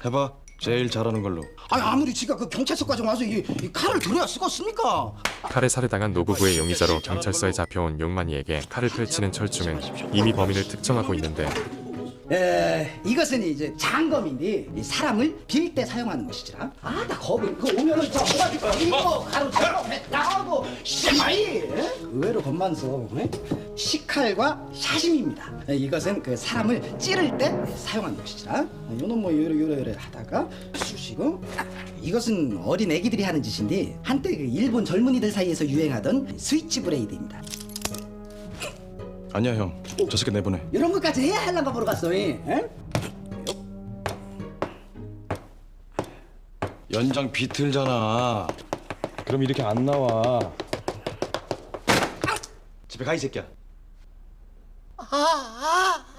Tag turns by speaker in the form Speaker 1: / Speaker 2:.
Speaker 1: 해봐. 제일 잘하는 걸로.
Speaker 2: 아니 아무리 지가 그 경찰서까지 와서 이 칼을 들여야 쓰겠습니까?
Speaker 3: 칼에 살해당한 노부부의 용의자로 경찰서에 잡혀온 용만이에게 칼을 펼치는 철중은 이미 범인을 특정하고 있는데
Speaker 2: 이것은 이제 장검인데 이 사람을 빌 때 사용하는 것이지라. 나 겁이 그 오면은 저 모가지고 이거 가로채고 나가고 씨마이 의외로 겁만서 식칼과 샤심입니다. 이것은 그 사람을 찌를 때 사용하는 것이지라. 요놈 뭐 요래 하다가 쑤시고. 이것은 어린 애기들이 하는 짓인데 한때 그 일본 젊은이들 사이에서 유행하던 스위치 브레이드입니다.
Speaker 1: 아니야 형. 저 새끼 내보내.
Speaker 2: 이런 것까지 해야 할란가 보러 갔어.
Speaker 1: 연장 비틀잖아. 그럼 이렇게 안 나와. 집에 가 이 새끼야.
Speaker 2: 아.